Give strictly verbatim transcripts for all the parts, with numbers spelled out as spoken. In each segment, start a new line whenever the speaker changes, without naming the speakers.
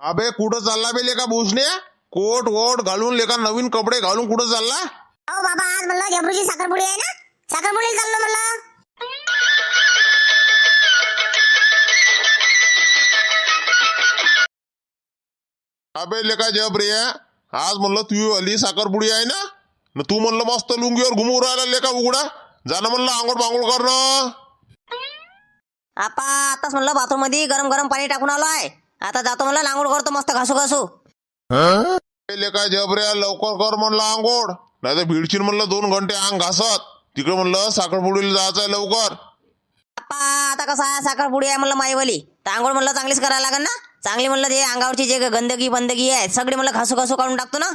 अबे कुठं चालला बे लेका भूषणे? कोट वोट घालून लेका नवीन कपडे घालून कुठं चालला?
अहो बाबा आज म्हणलं झबरूची साखरपुडी आहे ना, साखरपुडीला चाललो म्हणलं.
अबे लेका जबरे, आज म्हणलं तू आली साखरपुडी आहे ना, न तू म्हणलं मस्त लुंगीवर घुमू राहिला लेका उघडा. जाणं म्हणलं आंघोळ पांघोळ करणं.
आपा आताच म्हणलं बाथरूम मध्ये गरम गरम पाणी टाकून आलो आहे. आता जातो म्हणलं आंघोळ करतो मस्त घासू घासू.
अबे लेका जबरे लवकर कर म्हणलं आंघोळ, नाही तर भिडशील म्हणलं दोन घंटे अंग घासत. तिकडे म्हणलं साखरपुडीला जायचंय लवकर.
आपा आता कसं आहे साखरपुडी आहे म्हणलं माईवाली, तर आंघोळ म्हणलं चांगलीच करायला लागेल ना. चांगली म्हणलं ते अंगावरची जे गंदगी बंदगी आहे सगळी म्हणलं घासू घासू काढून टाकतो ना.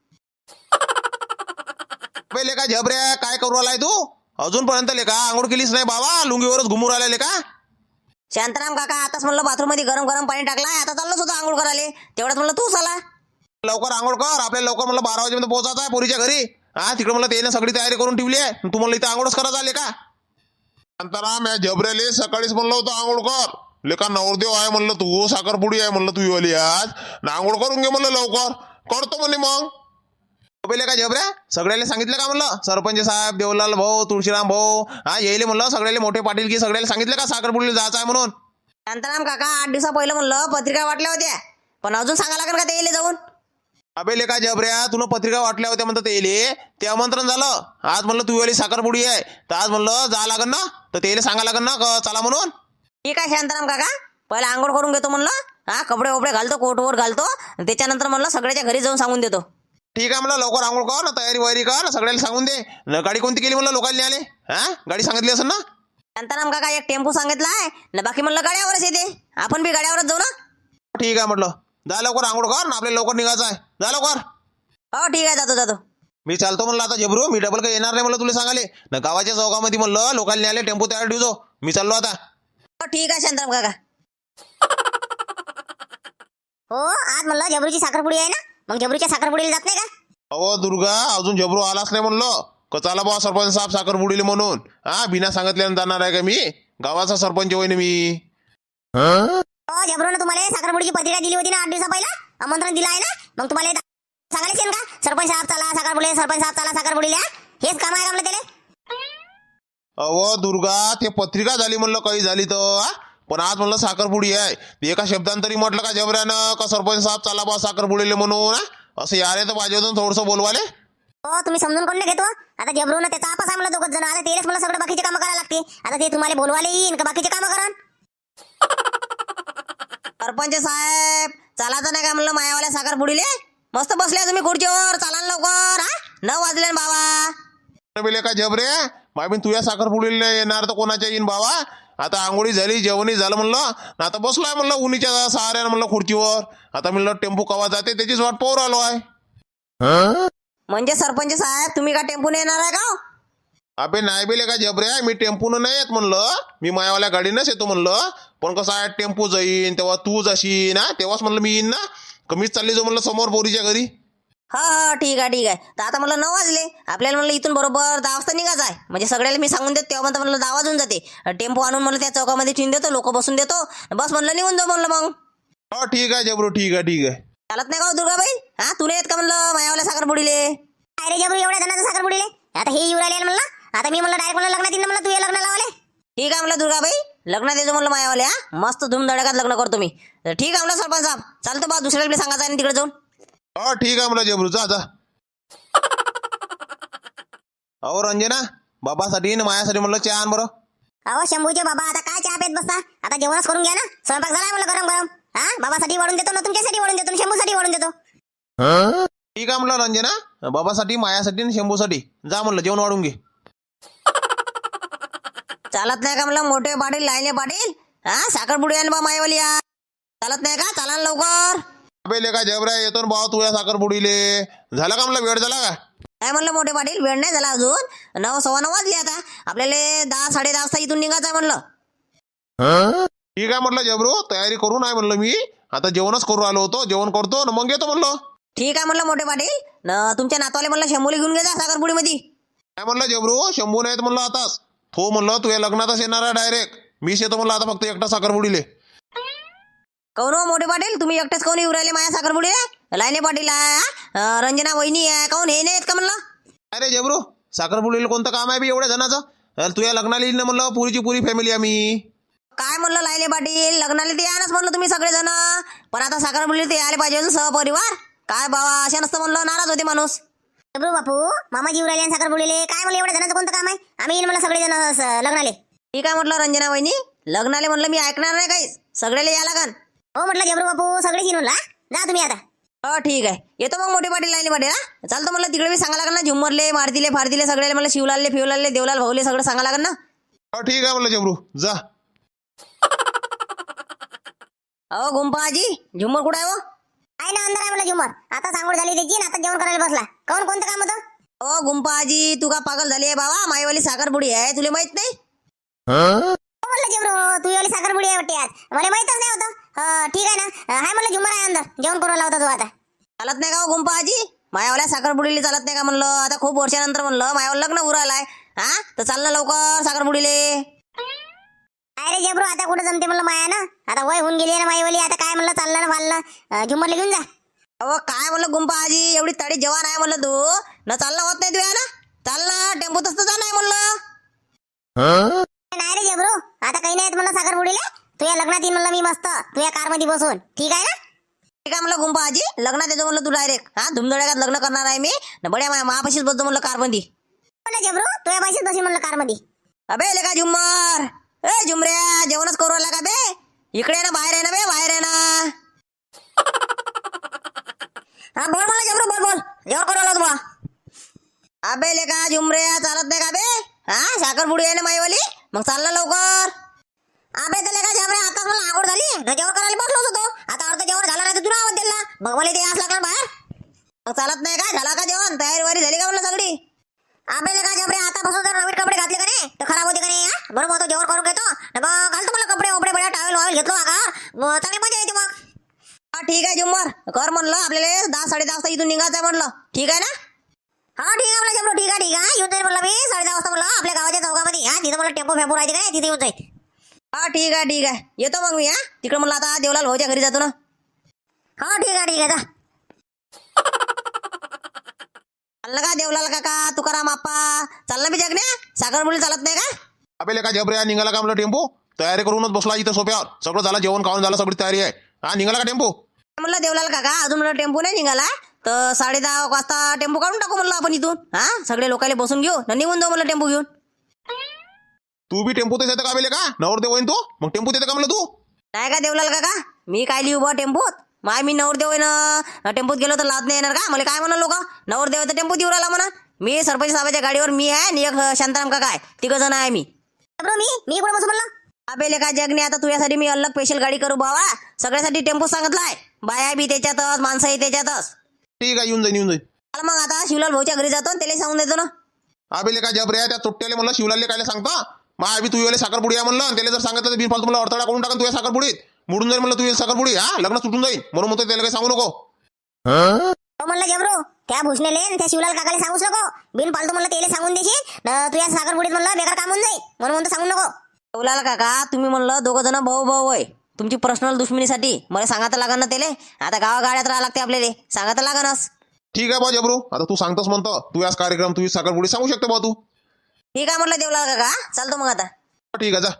अबे लेका जबरे काय करू राहिलाय तू? अजूनपर्यंत लेका आंघोळ केलीच नाही बाबा, लुंगीवरच घुमू राहिला लेका.
शांताराम काका आताच म्हणलं बाथरूम मध्ये गरम गरम पाणी टाकलाय, आता चाललोच होतं आंघोळ करायला. तेवढ्यात म्हणलं तू चला.
लवकर आंघोळ कर, आपल्याला लवकर म्हणलं बारा वाजेपर्यंत पोहोचायचं आहे पोरीच्या घरी. हा तिकडे म्हणलं त्याने सगळी तयारी करून ठेवली आहे, तू म्हणलं इथं आंघोळच करायचं आले का? शांताराम या जबरेले सकाळीच म्हणलं होतं आंघोळ कर. लेका नवरदेव आहे म्हणलं तू, साखरपुडी आहे म्हणलं तू वाली आज, ना आंघोळ करून घे म्हणलं लवकर. करतो म्हणे मग. पहिले का जबऱ्या सगळ्याला सांगितलं का म्हणलं? सरपंच साहेब, देवलाल भाऊ, तुळशीराम भाऊ, हा येईल म्हणलं सगळ्याला मोठे पाटील की सगळ्याला सांगितलं का साखरपुडीला जायचं आहे म्हणून?
शांताराम काका आठ दिवसा पहिलं म्हणलं पत्रिका वाटल्या होत्या, पण अजून सांगा लागेल का ते येईल जाऊन?
अबे लेका जबऱ्या तुला पत्रिका वाटल्या होत्या म्हणतात येईल, ते आमंत्रण झालं. आज म्हणलं तू वाली साखरपुडी आहे तर आज म्हणलं जा लागन ना, तर त्याला सांगा लागन ना क- चला म्हणून.
ठीक आहे शांताराम काका, पहिला आंघोळ करून घेतो म्हणलं. हा कपडे वपडे घालतो, कोट वोट घालतो, त्याच्यानंतर म्हणलं सगळ्याच्या घरी जाऊन सांगून देतो.
ठीक आहे म्हणलं लवकर आंघोळ कर ना, तयारी वयारी कर, सगळ्याला सांगून दे. न गाडी कोणती केली म्हणलं लोकांनी आले? हा गाडी सांगितली असेल ना?
शांताराम काका एक टेम्पो सांगितला आहे ना, बाकी म्हणलं गाड्यावरच येते. आपण बी गाड्यावरच जाऊ ना.
ठीक आहे म्हटलं जा लवकर आंघोळ कर ना, आपल्याला लवकर निघायचं आहे. जा लवकर.
हो ठीक आहे जातो जातो.
मी चालतो म्हणलं आता जबरू, मी डबल काही येणार नाही म्हणलं तुला सांगाले ना. गावाच्या चौकामध्ये म्हणलं लोकांनी आले टेम्पो तयार ठेवतो, मी चाललो आता.
हो ठीक आहे शांताराम काका.
हो आज म्हणलं झबरूची साखरपुडी आहे ना, मग झबरूच्या साखरपुडीला जात नाही का?
अहो दुर्गा अजून जबरू आलाच नाही म्हणलं. कचाला बा सरपंच साहेब साखरपुडीले म्हणून, हा बिना सांगितल्यानं जाणार आहे का मी? गावाचा सरपंच होईन मी.
हो झबरूनं तुम्हाला साखरपुडीची पत्रिका दिली होती ना आठ दिवसा पहिला, आमंत्रण दिलं आहे ना, मग तुम्हाला सांगायचे का सरपंच साहेब चला साखरपुडीला, सरपंच साहेब चला साखरपुडीला? हेच काम आहे का म्हणलं त्याला?
अहो दुर्गा ते पत्रिका झाली म्हणलं काही झाली तर, हा? पण आज म्हणलं साखरपुडी आहे. ते एका शब्दांतरी म्हटलं का जबऱ्यानं का सरपंच साहेब चला बा साखरपुडीले म्हणून, हा? असं यारे तर पाहिजे होतं थोडंसं बोलवाले.
हो तुम्ही समजून कोण नाही घेतो. आता झबरूनं त्याचा आपस आहे म्हणलं दोघं जण, आता तेच मला सगळं बाकीचे कामं करायला लागते. आता ते तुम्हाला बोलवायला येईन का बाकीचे कामं करा?
सरपंच साहेब चालायचं नाही का म्हणलं मायावाल्या साखरपुडीले? मस्त बसले तुम्ही खुर्चीवर, चाला ना लवकर. हा नऊ वाजले ना बाबा.
बिले का जबरे माय तुझ्या साखरपुडीला येणार तर कोणाच्या येईन बाबा? आता आंघोळी झाली, जेवणही झालं म्हणलं, आता बसलोय म्हणलं उन्हीच्या सहाऱ्यानं म्हणलं खुर्चीवर. आता म्हणलं टेम्पो कवा जाते त्याचीच वाट पाहू राहिलो आहे.
म्हणजे सरपंच साहेब तुम्ही का टेम्पोने येणार आहे का?
अबे नाही बिले का जबरे, मी टेम्पून नाही येत म्हणलं, मी मायावाल्या गाडीनंच येतो म्हणलं. पण कसं आहे टेम्पो जाईन तेव्हा तू जाशील ना, तेव्हाच म्हणलं मी येईन ना. कमीच चालली जाऊ म्हणलं समोर पोरीच्या घरी.
हा हा ठीक आहे ठीक आहे. तर आता म्हणलं नऊ वाजले, आपल्याला म्हणलं इथून बरोबर दहा वाजता निघायचं आहे. म्हणजे सगळ्याला मी सांगून देतो तेव्हा म्हणलं दहा वाजून जाते. टेम्पो आणून म्हणलं त्या चौकामध्ये ठेवून देतो, लोक बसून देतो, बस म्हणलं निघून जाऊ म्हणलं. मग
हो ठीक आहे जबरू, ठीक आहे ठीक आहे.
चालत नाही का हो दुर्गाबाई? हा तुला येत का म्हणलं मायावाल्या साखरपुडीले?
अरे झबरू एवढ्या जणांचं साखरपुडीले आता हे येऊ राहिले म्हणलं. आता मी म्हणलं डायरेक्ट म्हणलं लग्नात येईन म्हणलं, तू हे लग्न लावले.
ठीक आहे म्हणलं दुर्गाबाई, लग्नात येतो म्हणलं मायावाल्या, मस्त धूमधडाक्यात लग्न करतो मी. तर ठीक आहे म्हणलं सरपंच साहेब, चालतो बा दुसऱ्याकडे सांगायचं आणि तिकडे जाऊन.
हो ठीक आहे म्हणलं जबरू, जा जा. अहो रंजना बाबासाठी ना मायासाठी म्हणलं चहा आण बरं.
अहो शंभूचे बाबा आता काय चहा पेत बसता, आता जेवणच करून घ्या ना. स्वयंपाक झालाय म्हणलं गरम गरम. हा बाबासाठी वाढून देतो ना, तुमच्यासाठी वाढून देतो ना, शंभूसाठी वाढून देतो.
ठीक आहे म्हणलं रंजना, बाबासाठी मायासाठी आणि शंभूसाठी जा म्हणलं जेवण वाढून घे.
चालत नाही का म्हणलं मोठे पाटील लाईने पाटील? हा साखरपुडी आहे ना बा मायावाली, या चालत नाही का? चाला ना लवकर.
अबे लेका जबऱ्या येतो ना भाऊ तुझ्या साखरपुडीले. झाला का म्हणलं वेळ झाला का?
काय म्हणलं मोठे पाटील, वेळ नाही झाला अजून, नऊ सव्वा नऊ वाजले. आता आपल्याला दहा साडे दहा वाजता इथून निघायचं आहे म्हणलं.
ठीक आहे म्हटलं जबरू, तयारी करून आहे म्हणलं मी. आता जेवणच करू आलो होतो, जेवण करतो ना मग येतो म्हणलं.
ठीक आहे म्हणलं मोठे पाटील, न तुमच्या नातवाले म्हणलं शंभूला घेऊन गेला साखरपुडीमध्ये.
काय म्हणलं जबरू, शंभू नाहीत म्हणलं आताच. हो म्हणलं तू या लग्नातच येणार आहे डायरेक्ट. मीच येतो म्हणलं आता फक्त एकटा साखरपुडीले.
काऊन हो मोठे पाटील तुम्ही एकटेच काऊन येऊ राहिले माझ्या साखरपुडी लाईने पाटील आहे हा? अं, रंजना वहिनी आहे काऊन हे नाही येत का म्हणलं
अरे जबरू साखरपुडीला कोणतं काम आहे बी एवढ्या जणाचं अरे तुझ्या लग्नाला येईल ना म्हणलं पुरीची पुरी फॅमिली आम्ही.
काय म्हणलं लाईने पाटील लग्नाला ते यानच म्हणलं तुम्ही सगळेजण पण आता साखरपुडीला ते यायला पाहिजे ना सहपरिवार काय बाबा अशा नसतं म्हणलं नाराज होते माणूस.
जबरू बापू मामाजी येऊ राहिले आणि साखरपुडीले काय मला एवढ्या जणांचं कोणतं काम आहे आम्ही येईल मला सगळे जण लग्नाले.
ठीक आहे म्हटलं रंजना वहिनी लग्नाले म्हणलं मी ऐकणार नाही काही सगळेले या लागन.
हो म्हटलं जबरू बापू सगळेच येऊन ला जा तुम्ही आता.
हो ठीक आहे येतो मग मोठे पाटील लाईने पाटील हा चालतं म्हणलं तिकडे मी सांगा लागेल ना झुम्मरले मारतीले फारतीले सगळे मला शिवलालले फिवलालले देवलाल भाऊले सगळं सांगा लागेल ना.
हो ठीक आहे म्हणलं जबरू जा.
अहो गुंपाजी झुम्मर कुठं आहे हो
आहे ना अंदर आहे मला झुमर आता सांगोड झाली त्याची ना आता जेवण करायला बसला कोण कोणतं काम होतं.
अहो गुंपाजी तू का पागल झाली आहे बाबा माईवाली साखरपुडी आहे तुला माहित नाही.
हो म्हणलं जबरू तू वाली साखरपुडी आहे वाटते आज मला माहितच नाही होतं. हो ठीक आहे ना हाय म्हणलं झुमर आहे अंदर जेवण करायला होता तू आता.
चालत नाही का हो गुंपाजी मायावाल्या साखरपुडीला चालत नाही का म्हणलं आता खूप वर्षानंतर म्हणलं मायावर लग्न उरायलाय हा तर चाललं लवकर साखरपुडीले.
अरे जबरू आता कुठं जमते म्हणलं माया ना आता वय होऊन गेली ना माईवाली आता काय म्हणलं चाललं ना फाललं झुमरला घेऊन जा.
अहो काय म्हणलं गुंपाजी एवढी तडी जवान आहे म्हणलं तू न चाललं होत नाही तुया ना चाललं टेम्पोत असतं जा नाही म्हणलं.
नाही रे जबरू आता काही नाही म्हणलं साखरपुडीला तुझ्या लग्नात येईन म्हणलं मी मस्त तुझ्या कार मध्ये बसून ठीक आहे ना.
ठीक आहे म्हणलं गुंपाजी लग्नात येतो म्हणलं तू डायरेक्ट हा धुमधडाक्यात लग्न करणार आहे मी न बड्या मा- महापाशीच बसतो म्हणलं कारमध्ये.
म्हणलं जबरू तुझ्या पाशीच बसीन म्हणलं कार मध्ये.
अबे ले का झुम्मर ए झुमऱ्या जेवणच करू आला का बे इकडे ना बाहेर आहे ना बे बाहेर आहे ना.
हा बोल मला जबरू बोल बोल जेवण करायला तुम्हाला.
अबे ले का झुमऱ्या चालत नाही का बे हा साखरपुडी आहे ना माईवाली मग चालला लवकर.
अबे तर का जबरे आता मला आवड झाली न जेवण करायला बसलोच होतो आता अर्ध जेवण झालं नाही तर तुला आवाज दिला मग मला ते यास लागणार बाहेर.
मग चालत नाही का झाला का जेवण तयारी वारी झाली का म्हणलं सगळी.
अबे का जबरे आता बसून जर नवीन कपडे घातले का नाही तर खराब होते का नाही हा? बरोबर होतो जेवण करून घेतो न मग घालतो मला कपडे वपडे बड्या टावेल वावेल घेतलो का मग चांगली मजा येते मग.
हा ठीक आहे झुम्मर कर म्हणलं आपल्याला दहा साडे दहा वाजता इथून निघायचं आहे म्हणलं ठीक आहे ना.
हा ठीक आहे मला जबरू ठीक आहे ठीक आहे येऊन जाईल म्हणलं मी साडे दहा वाजता म्हणलं आपल्या गावाच्या चौकामध्ये हा तिथं मला टेम्पो फेम्पो राहते काय तिथे येऊन जाईल.
हा ठीक आहे ठीक आहे येतो मग मी हा तिकडे म्हणलं आता देवलाल भाऊच्या घरी जातो ना.
हा ठीक आहे ठीक आहे जा.
चाललं का देवलाल काका तुकाराम आप्पा चाललं मी जगण्या साखरपुडी चालत नाही का.
अबे लेका जबऱ्या निघाला का म्हणलं टेम्पो तयारी करूनच बसला इथं सोप्यावर सगळं झालं जेवण खाऊन झालं सगळी तयारी आहे हा निघाला का टेम्पो.
म्हणलं देवलाल काका अजून म्हणलं टेम्पो नाही निघाला तर साडे दहा वाजता टेम्पो काढून टाकू म्हणलं आपण इथून हा सगळे लोकांना बसून घेऊ न निघून जाऊ म्हणलं टेम्पो घेऊन.
तू बी टेम्पोतच येतं का बेले का नवरदेव होईन तू मग टेम्पोत येतं का म्हणलं तू.
नाही का देवलाल काका मी काय लिहू बा टेम्पोत माय मी नवरदेव आहे ना टेम्पोत गेलो तर लाद नाही येणार का मला काय म्हणा लोक नवरदेव आहे तर टेम्पोत येऊ राहिला म्हणा. मी सरपंच साहेबाच्या गाडीवर मी आहे आणि एक शांताराम काका आहे तिघ जण आहे मी.
जबरू मी मी कुठं बसू म्हणलं.
अबे लेका जगने आता तुझ्यासाठी मी अलग स्पेशल गाडी करू बाबा सगळ्यासाठी टेम्पो सांगितलाय बाया बी त्याच्यातच माणसंही त्याच्यातच.
ठीक आहे येऊन जाईन येऊन जाईन.
चला मग आता शिवलाल भाऊच्या घरी जातो आणि त्याला सांगून देतो ना.
अबे लेका जबऱ्या त्या तुट्ट्याले म्हणलं शिवलाले काय सांगता मग आम्ही तुझ्याला साखरपुडी आहे म्हणलं आणि त्याला जर सांगितलं तर बिनफालतू मला अडथळा करून टाका तुझ्या साखरपुडीत मोडून जाईल म्हणलं तुझ्या साखरपुडी हा लग्न सुटून जाईल म्हणून म्हणतो त्याला काही सांगू नको.
हो म्हणलं जबरू त्या भूषणेले आणि त्या शिवलाल काकाला सांगूच नको बिन पालतू म्हणलं त्याला सांगून देशील न तुझ्या साखरपुडीत म्हणलं बेकार काम होऊन जाईल म्हणून म्हणतो सांगू नको.
शिवलाल काका तुम्ही म्हणलं दोघं जण भाऊ भाऊ आहे तुमची पर्सनल दुश्मनीसाठी मला सांगायला लागण ना त्याला आता गावागाड्यात राहा लागते आपल्याला सांगायला लागणच.
ठीक आहे बा जबरू आता तू सांगतोस म्हणतो तू याच कार्यक्रम तुझी साखरपुडी सांगू शकतो बा तू.
ठीक आहे म्हटलं देवलाल काका चालतो मग आता.
ठीक आहे जा.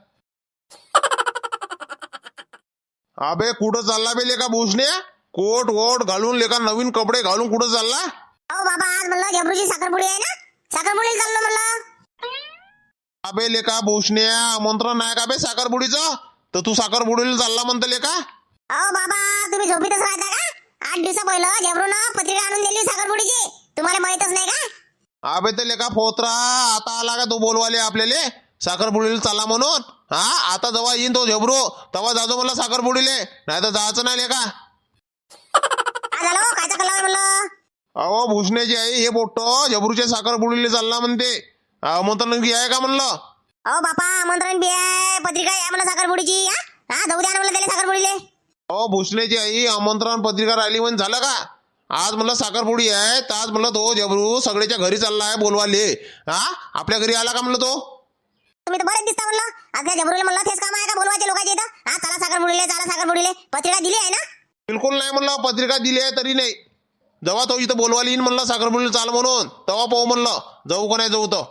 अबे कुठं चालला बे लेका भूषणे कोट वोट घालून लेका नवीन कपडे घालून कुठं चालला.
अहो बाबा आज म्हणलं जबरूची साखरपुडी आहे ना साखरपुडीला चाललो म्हणलं.
अबे लेका भूषणे आमंत्रण नाही का बे साखरपुडीचं तर तू साखरपुडीला चालला म्हणतो लेका.
अहो बाबा तुम्ही झोपीतच राहता का आठ दिवसा पहिलं जबरूनं पत्रिका आणून दिली साखरपुडीची तुम्हाला माहितच नाही का.
अबे ते लेका फोत्रा आता आला का तू बोलवाले आपल्याला साखरपुडीला चालला म्हणून हा आता जेव्हा येईन तो झबरू तेव्हा जाजो म्हणलं साखरपुडीले नाही तर जायचं नाही लेका.
काय झालं हो? कायचा कल्ला आहे म्हणलं.
अहो भूषण्याची आई हे पोट्ट झबरूच्या साखरपुडीला चालला म्हणते आमंत्रण की आहे का म्हणलं.
अहो बापा आमंत्रण बी आहे पत्रिका आहे म्हणलं साखरपुडीची हा हा जाऊ द्या ना म्हणलं त्याला साखरपुडीले.
अहो भूषण्याची आई आमंत्रण पत्रिका राहिली म्हणून झालं का आज म्हणलं साखरपुडी आहे तर आज म्हणलं तो झबरू सगळ्याच्या घरी चालला आहे बोलवाले हा आपल्या घरी आला का म्हणलं तो.
तुम्ही तर बरेच दिसता म्हणलं. आज त्या जबरूला म्हणलं तेच काम आहे का बोलवायचे लोकांचे इथं? हा चला साखर बुडीले, चला साखर बुडीले. पत्रिका दिली आहे ना?
बिलकुल नाही म्हणलं, पत्रिका दिली आहे तरी नाही. जेव्हा तो इथं बोलवायला येईन म्हणलं साखरपुडीला चाल म्हणून, तेव्हा पाहू म्हणलं जाऊ का नाही जाऊ तर.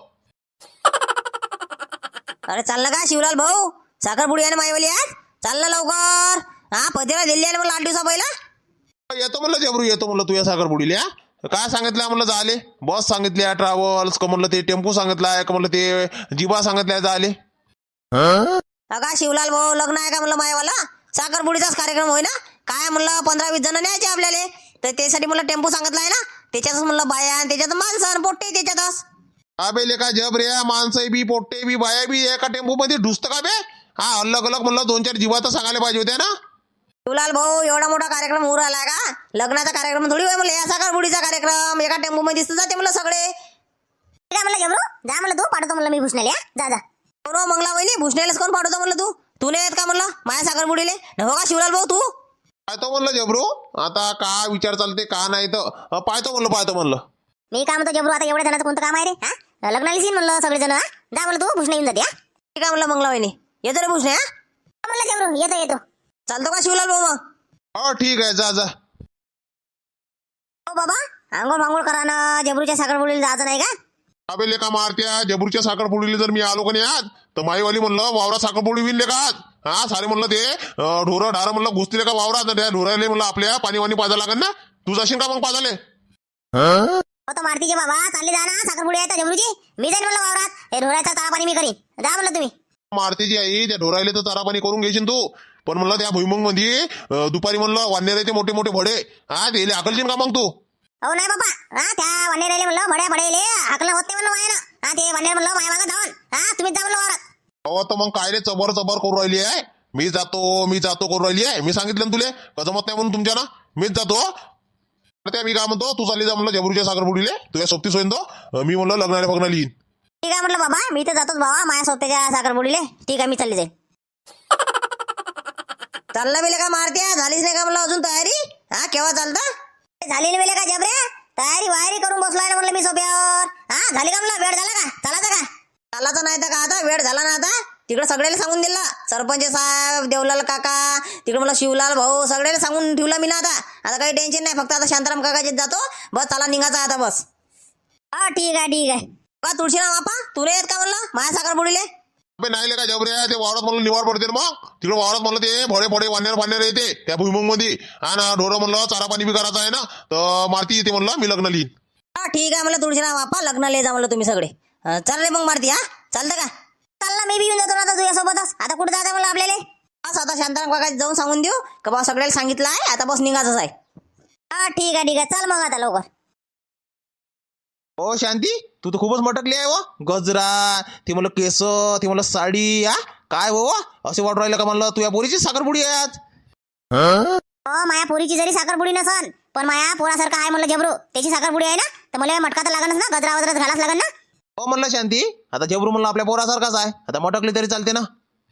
अरे चाललं का शिवलाल भाऊ? साखरपुडी आहे ना माईवाली आज? चाललं लवकर. हा पत्रिका दिली आहे ना म्हणलं आठ दिवसा पहिला.
येतो म्हणलं जबरू, येतो म्हणलं तुझ्या साखरपुडीला. काय सांगितलं म्हणलं झाले? बस सांगितली आहे, ट्रॅव्हल्स का म्हणलं ते टेम्पो सांगितलाय का म्हणलं ते जिबा सांगितलाय झाले.
अगा शिवलाल भाऊ लग्न आहे का म्हणलं मायवाला? साखरपुडीचाच कार्यक्रम होय ना? काय म्हणलं पंधरा वीस जण न्यायचे आपल्याला, तर त्यासाठी म्हणलं टेम्पो सांगितलाय ना. त्याच्यातच म्हणलं बाया आणि त्याच्यात माणसं पोट्टे त्याच्यातच.
अबे लेका जब रे, माणसं बी पोट्टे बी बाया बी एका टेम्पो मध्ये ढुसतं का बे? हा अलग अलग म्हणलं दोन चार जीवा तर सांगायला पाहिजे होत्या ना.
शिवलाल भाऊ एवढा मोठा कार्यक्रम होऊ राहिला का? लग्नाचा कार्यक्रम थोडी होय म्हणलं, या साखरपुडीचा कार्यक्रम एका टेम्पो मध्ये दिसत जाते म्हणलं सगळे.
ठीक आहे म्हणलं जबरू, जा म्हणलं तू, पाठवतो म्हणलं मी भुसण्याला. जा जा.
हो मंगला वहिनी, भुसण्यालाच कोण पाठवतो म्हणलं तू? तू नाही येत का म्हणलं माझ्या साखरपुडीले? हो का शिवलाल भाऊ तू?
पाहतो म्हणलं जबरू, आता का विचार चालते का नाही तर अं, पाहतो म्हणलं पाहतो म्हणलं.
मी काय म्हणतो जबरू, आता एवढ्या जणांचं कोणतं काम आहे रे? हा लग्नाला येईन म्हणलं सगळेजण. हा जा म्हणलं तू, भुसण्या येऊन जाते. हा
ठीक आहे म्हणलं मंगला वहिनी, येतो रे भुसण्या.
म्हणलं जबरू, येतो येतो.
चालतो का शिवलाल भाऊ मग?
हो ठीक आहे, जा जा.
हो बाबा, आंघोळ भांघोळ करा ना, जबरूच्या साखरपुडीला जायचं नाही का?
अबे लेका मारत्या, जबरूच्या साखरपुडीला जर मी आलो का नाही आज तर माईवाली म्हणलं वावरा साखरपुडी विन लेका आज. हा सारे म्हणलं ते अं, ढोरं ढारं म्हणलं घुसतील का वावरात, त्या ढोराले म्हणलं आपल्या पाणी वाणी पाजा लागेल ना. तू जाशील का मग पाजाले?
हो तर मारतीचे बाबा, चालले जा ना, साखरपुडी आहे जबरूची. मी जाईन म्हणलं वावरात, हे ढोराचा ताळा पाणी मी करीन. जा म्हणलं तुम्ही.
मारतीची आई, त्या ढोराले तर चारा पाणी करून घेशील तू, पण म्हणलं त्या भुईमुंग मध्ये अं, दुपारी म्हणलं वानेराचे मोठे मोठे भडे, हा ते अकलशील का मग तू?
हो नाही बाबा, हा त्या वनेरेले म्हणलं भड्या भडेले हाकलं होत नाही म्हणलं माया ना. हा ते वनेर म्हणलं माया मागं धावून. हा तुम्हीच जा म्हणलं वावरात.
अहो तर मग काय रे चबर चबर करू राहिली आहे? मी जातो मी जातो करू राहिली आहे. मी सांगितलं ना तुले का जमत नाही म्हणून तुमच्या ना, मीच जातो. त्या मी काय म्हणतो, तू चालली जा म्हणलं जबरूच्या साखरपुडीले, तुझ्या सोबतीच होईन तो. मी म्हणलं लग्नाला बघणार येईन.
ठीक आहे म्हटलं बाबा, मी तर जातोच बाबा माझ्या सोबत्याच्या साखरपुडीले. ठीक आहे, मी चालली जाईल.
चालला बेले का मारत्या? झालीच नाही का म्हणलं अजून तयारी? हा केव्हा चालता?
झालेली वेळे का जबरे? तयारी वायरी करून बसलोय ना म्हणलं मी सोप्यावर. हा झाली का म्हणलं? वेळ झाला का? चालायचं का?
चालायचं नाही तर का आता? वेळ झाला ना आता. तिकडे सगळ्याला सांगून दिला, सरपंच साहेब, देवलाल काका, तिकडे मला शिवलाल भाऊ, सगळ्याला सांगून ठेवला मी ना. आता आता काही टेन्शन नाही, फक्त आता शांताराम काकाचे जातो. बस चला निघायचा आता बस.
हा ठीक आहे ठीक आहे.
का तुळशीराम बापा तू नाही येत का म्हणलं माझ्या साखरपुडीले?
अबे नाही ले का जबरे, ते वावरात म्हणलं निवार पडते ना. मग तिकडे वावरात म्हणलं ते भोडे भोडे वानेर वानेर येते त्या भुईमुंग मध्ये, आणि ढोरं म्हणलं चारा पाणी बी करायचं आहे ना, तर मारती येते म्हणलं मी लग्न लिहीन.
हा ठीक आहे म्हणलं तुळशीराम बापा, लग्नाला ये जा म्हणलं तुम्ही सगळे. अं, चल रे मग मारती. हा चालतं का?
चालला मी बी येऊन जातो ना आता तुझ्यासोबतच. आता कुठं जायचं म्हणलं आपल्याला?
बस आता शांताराम काका जाऊन सांगून देऊ का बा सगळ्याला सांगितलं आहे, आता बस निघायचंच आहे.
हा ठीक आहे ठीक आहे, चल मग आता लवकर.
हो शांती, तू तर खूपच मटकली आहे. व गजरा, ते म्हणलं केस, ते म्हणलं साडी, हा काय हो असे वाटू राहिलं का म्हणलं तुझ्या पोरीची साखरपुडी आहे आज?
हो माया पोरीची जरी साखरपुडी नसन, पण माया पोरासारखा आहे म्हणलं जबरू, त्याची साखरपुडी आहे ना, तर मला मटका तर लागणच ना, गजरा वजराच घालाच लागन ना.
हो म्हणलं शांती, आता जबरू म्हणलं आपल्या पोरासारखाच आहे, आता मटकली तरी चालते ना.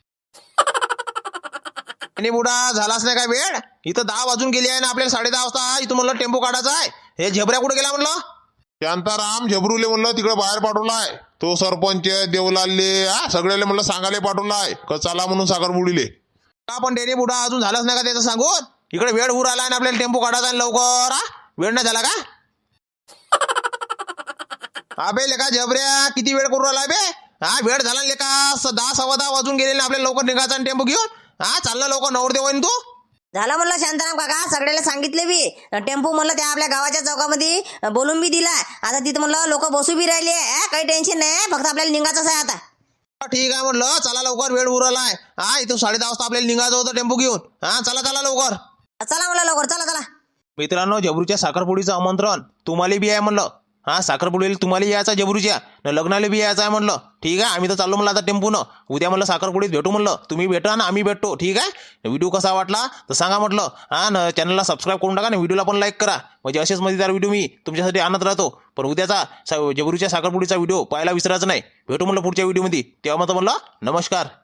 आणि बुडा झालाच नाही काय वेळ? इथं दहा वाजून गेली आहे ना, आपल्याला साडे दहा वाजता इथं म्हणलं टेम्पो काढायचा आहे. हे झेबऱ्या कुठे गेला म्हणलं? शांताराम झेबरूले म्हणलं तिकडे बाहेर पाठवलाय. तो सरपंच देवलालले हा सगळ्याले म्हणलं सांगायला पाठवलाय का चला म्हणून साखरपुडीले. का पण डेरे बुडा अजून झालाच नाही का त्याचं सांगून? इकडे वेळ उर आला ना आपल्याला टेम्पो काढायचा आहे लवकर. हा वेळ नाही झाला का? अबे लेका झबऱ्या किती वेळ करू राहिला बे? हा वेळ झाला लेका, दहा सव्वा दहा वाजून गेले ना, आपल्याला लवकर निघायचा टेम्पो घेऊन. हा चालला लवकर नवरदेव आहे तू.
झालं म्हणलं शांताराम काका, सगळ्याला सांगितले बी. टेम्पो म्हणलं त्या आपल्या गावाच्या चौकामध्ये बोलून बी दिला. आता तिथं म्हणलं लोक बसू बी राहिले. काही टेन्शन नाही, फक्त आपल्याला निघायचंच आहे आता.
ठीक आहे म्हणलं, चला लवकर वेळ उरलाय. हा इथून साडे दहा वाजता आपल्याला निघायचं होतं टेम्पो घेऊन. हा चला चला लवकर.
चला म्हणलं लवकर, चला चला.
मित्रांनो, जबरूच्या साखरपुडीचं आमंत्रण तुम्हाला बी आहे म्हणलं. हा साखरपुडीला तुम्हाला यायचं जबरूच्या न लग्नाला बी यायचं आहे म्हणलं. ठीक आहे, आम्ही तर चाललो म्हणलं आता टेम्पोनं. उद्या म्हणलं साखरपुडीत भेटू म्हणलं. तुम्ही भेटा ना आम्ही भेटतो. ठीक आहे, व्हिडिओ कसा वाटला तर सांगा म्हटलं. हा न चॅनलला सबस्क्राईब करून टाका ना, व्हिडिओला पण लाईक करा, म्हणजे असेच मजेदार व्हिडिओ मी तुमच्यासाठी आणत राहतो. पण उद्याचा जबरूच्या साखरपुडीचा व्हिडिओ पाहायला विसरायचं नाही. भेटू म्हणलं पुढच्या व्हिडिओमध्ये. तेव्हा मग म्हणलं नमस्कार.